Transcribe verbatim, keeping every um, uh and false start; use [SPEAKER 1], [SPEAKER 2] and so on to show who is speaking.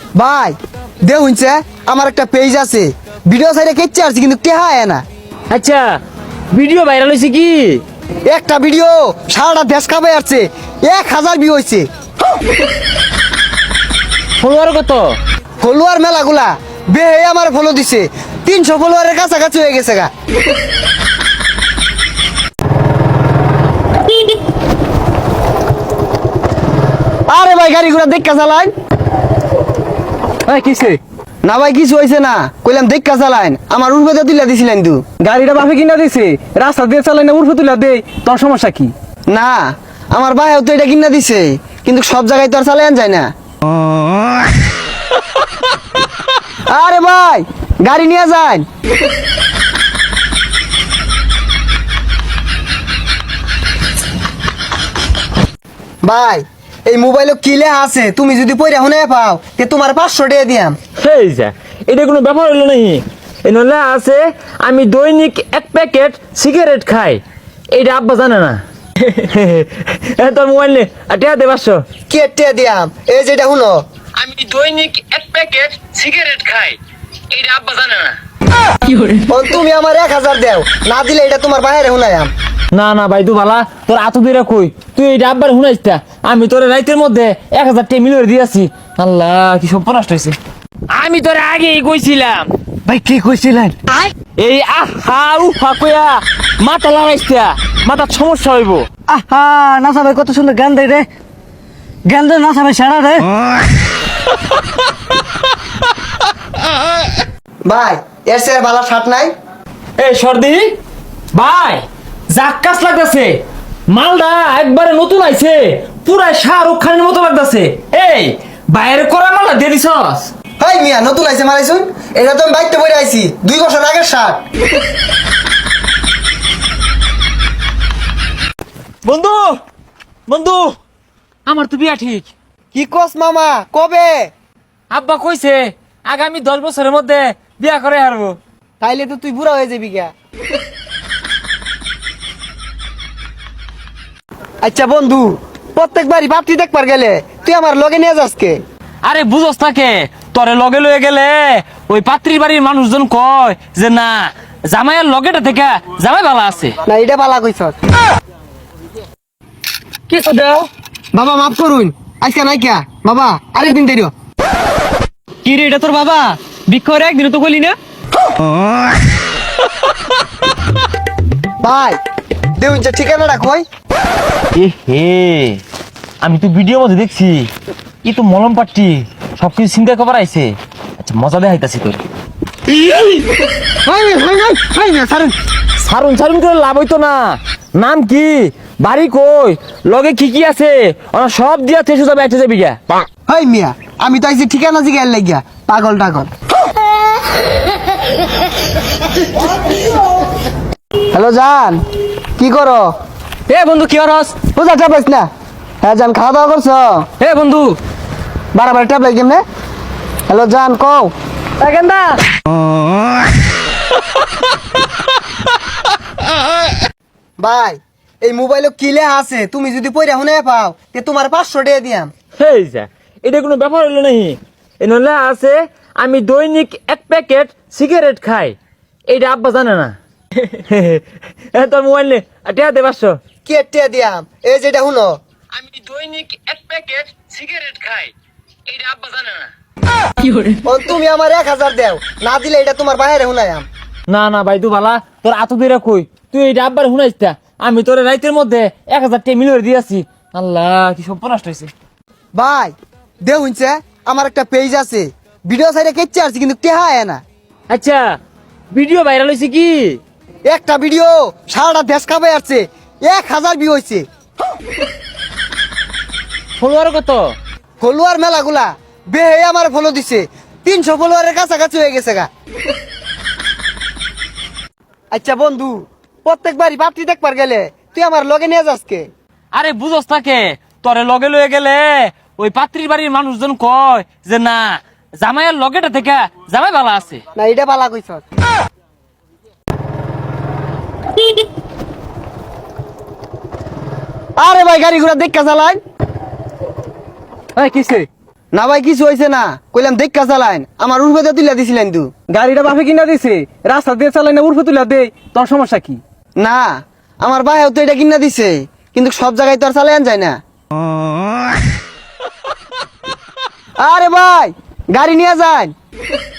[SPEAKER 1] ভাই দে হইছে আমার একটা পেজ আছে, ভিডিও সাইডে কেচে আসছি কিন্তু টেহা আয় না।
[SPEAKER 2] আচ্ছা ভিডিও ভাইরাল হয়েছে কি?
[SPEAKER 1] একটা ভিডিও সারাটা দেশ খাবে আসছে, এক হাজার ভিউ হয়েছে।
[SPEAKER 2] ফলোয়ার কত?
[SPEAKER 1] ফলোয়ার মেলাগুলা বে আমার ফলো দিছে, তিনশো ফলোয়ারের কাছাকাছি হয়ে গেছে গা। আরে ভাই গাড়ি ঘোড়া দেখা চালান
[SPEAKER 3] কিসে
[SPEAKER 1] না ভাই, কিছু হয়েছে না, কইলাম দেখা চালান, আমার উর্বেদা তুলে দিছিলেন তু।
[SPEAKER 3] গাড়িটা বাপে কিনা দিছে, রাস্তা দিয়ে চালাই না উর্ফে তুলা দে, তোর সমস্যা কি?
[SPEAKER 1] না আমার ভাইও তো এটা কিনা দিছে, কিন্তু সব জায়গায় তো আর চালান যায় না। আরে ভাই গাড়ি নিয়ে যান। ভাই এই মোবাইলে কি লেখা আছে, তুমি যদি পড়ে শুনে পাও তে তোমার পাঁচশো টাকা দিয়াম।
[SPEAKER 2] সেই যা, এটা কোনো ব্যাপার হলো নাকি? এই নলে আছে আমি দৈনিক এক প্যাকেট সিগারেট খাই, এইটা আব্বা জানে না। এ তোর মোবাইল নে, টিয়া দে পাঁচশো।
[SPEAKER 1] কে টাকা দিয়াম? এই যেটা শুনো,
[SPEAKER 2] আমি দৈনিক এক প্যাকেট সিগারেট খাই, এইটা আব্বা জানে না।
[SPEAKER 1] ও তুমি আমার এক হাজার দেও, না দিলে এটা তোমার বাইরে শুনায়াম।
[SPEAKER 2] না না ভাই তু ভালা, তোর আতো দিরা কই, তুই এইটা আব্বার শুনাইছটা, আমি তোর রাইতের মধ্যে এক হাজার টাকা মিলিয়ে দিয়েছি। আল্লাহ কি সব নষ্ট হয়েছে। আমি তোরে আগেই কইছিলাম।
[SPEAKER 1] ভাই কি কইছিলেন?
[SPEAKER 2] এই আহা উফা কইয়া মাথা লাগাইছটা, মাথার সমস্যা হইব।
[SPEAKER 3] আহা নাসা ভাই কত সুন্দর গান দেয় রে, গান দেয় নাসা ভাই সারা রে।
[SPEAKER 1] ভাই এর সে ভালো শার্ট নাই?
[SPEAKER 2] এই সর্দি ভাই, জাক্কাস লাগতেছে, মালদা একবারে নতুন আইছে, পুরা শাহরুখ খানের মতো লাগতেছে। এই বাইরে করা মালদা দিয়ে দিছস?
[SPEAKER 1] হাই মিয়া নতুন আইছে মারাইছুন, এটা তো আমি বাইকতে পড়ে আইছি দুই বছর আগের শার্ট।
[SPEAKER 2] বন্ধু বন্ধু, আমার তো বিয়া ঠিক।
[SPEAKER 1] কি কস মামা, কবে?
[SPEAKER 2] আব্বা কইছে আগামী দশ বছরের মধ্যে বিয়া করে হারবো।
[SPEAKER 1] তাইলে তো তুই বুড়া হয়ে যাবি গা। আচ্ছা বন্ধু, প্রত্যেকবারই বাপটি দেখবার গেলে তুই আমার লগে নিয়ে যাসকে?
[SPEAKER 2] আরে বুঝস তাকে, তোরে লগে লয়ে গেলে ওই পাত্রীর বাড়ির মানুষজন কয় যে না জামাইয়ের লগেটা থেকে জামাই ভালো আছে।
[SPEAKER 1] না এটা বালা কইছস।
[SPEAKER 2] কিছু দেও
[SPEAKER 1] বাবা মাফ করুন, আজকে নাই কিয়া বাবা, আরেকদিন দেরিও।
[SPEAKER 2] কি রে, এটা তোর বাবা? বিক্ষরে একদিন তো কইলি না।
[SPEAKER 1] ভাই দেউন যে ঠিকানাটা কই?
[SPEAKER 2] এ হে, আমি তো ভিডিও মধ্যে দেখছি, ই তো মলম পাট্টি সবকিছু চিন্তা করার আইছে। আচ্ছা মজা দেখাইতাছি তোর।
[SPEAKER 1] হাই হাই হাই হাই না সারুন।
[SPEAKER 2] সারুন সারুন করে লাভ হইতো না। নাম কি, বাড়ি কই, লগে কি কি আছে, ওরা সব দিয়া থেসে যাবে, একটা যাবি গা।
[SPEAKER 1] হাই মিয়া আমি তো আইছি ঠিকানা জিগাইর লাগিয়া, পাগল টাগল। হ্যালো জান, কি করো?
[SPEAKER 3] এ বন্ধু কি হরস?
[SPEAKER 1] বুঝা চাপাইস না। হ্যাঁ জান, খাওয়া দাওয়া করছো?
[SPEAKER 3] এ বন্ধু
[SPEAKER 1] বারবার ট্যাপ লাগে কেমনে? হ্যালো জান কও।
[SPEAKER 3] গেন্দা
[SPEAKER 1] ভাই এই মোবাইলে কি লেখা আছে, তুমি যদি পড়ে শুনে পাও তে তোমার পাঁচশো টাকা দিয়াম।
[SPEAKER 2] হেই যা, এটা কোনো ব্যাপার হলো নাকি? এই নলে আছে আমি দৈনিক এক প্যাকেট সিগারেট খাই, এইটা আব্বা জানে না। এ তোর মোবাইল নে, টিয়া দে পাঁচশো।
[SPEAKER 1] কি টাকা দিয়াম? এই যেটা শুনো,
[SPEAKER 2] আমি দৈনিক এক প্যাকেট সিগারেট খাই, এইটা আব্বা জানে না।
[SPEAKER 1] ও তুমি আমার এক হাজার দেও, না দিলে এটা তোমার বাইরে শুনায়াম।
[SPEAKER 2] না না ভাই তু ভালা, তোর আতো দিরা কই, তুই এইটা আব্বার শুনাইছটা, আমি তোর রাইতের মধ্যে এক হাজার টাকা মিলিয়ে দিয়েছি। আল্লাহ কি সব নষ্ট হয়েছে।
[SPEAKER 1] ভাই দে হইছে আমার একটা পেজ আছে, ভিডিও সাইডে কেচে আসছি কিন্তু টেহা আয় না।
[SPEAKER 2] আচ্ছা ভিডিও ভাইরাল হয়েছে কি?
[SPEAKER 1] একটা ভিডিও সারাটা দেশ খাবে আসছে, এক হাজার ভিউ হয়েছে।
[SPEAKER 2] ফলোয়ার কত?
[SPEAKER 1] ফলোয়ার মেলাগুলা বে আমার ফলো দিছে, তিনশো ফলোয়ারের কাছাকাছি হয়ে গেছে গা। আচ্ছা বন্ধু, প্রত্যেকবারই বাপটি দেখবার গেলে তুই আমার লগে নিয়ে যাসকে?
[SPEAKER 2] আরে বুঝস তাকে, তোরে লগে লয়ে গেলে ওই পাত্রীর বাড়ির মানুষজন কয় যে না জামাইয়ের লগেটা থেকে জামাই ভালো আছে।
[SPEAKER 1] না এটা বালা কইছস। আরে ভাই গাড়ি ঘোড়া দেখা চালান।
[SPEAKER 3] কিসে
[SPEAKER 1] না ভাই কিছু হয়েছে না, কইলাম দেখা চালাইন, আমার উর্ফেতে তুলে দিছিলেন তু।
[SPEAKER 4] গাড়িটা বাপে কিনা দিছে, রাস্তা দিয়ে চালাই না উর্ফে তুলে দে, তোর সমস্যা কি?
[SPEAKER 1] না আমার ভাইও তো এটা কিনা দিছে, কিন্তু সব জায়গায় তো আর চালাইন যায় না। আরে ভাই গাড়ি নিয়ে যান।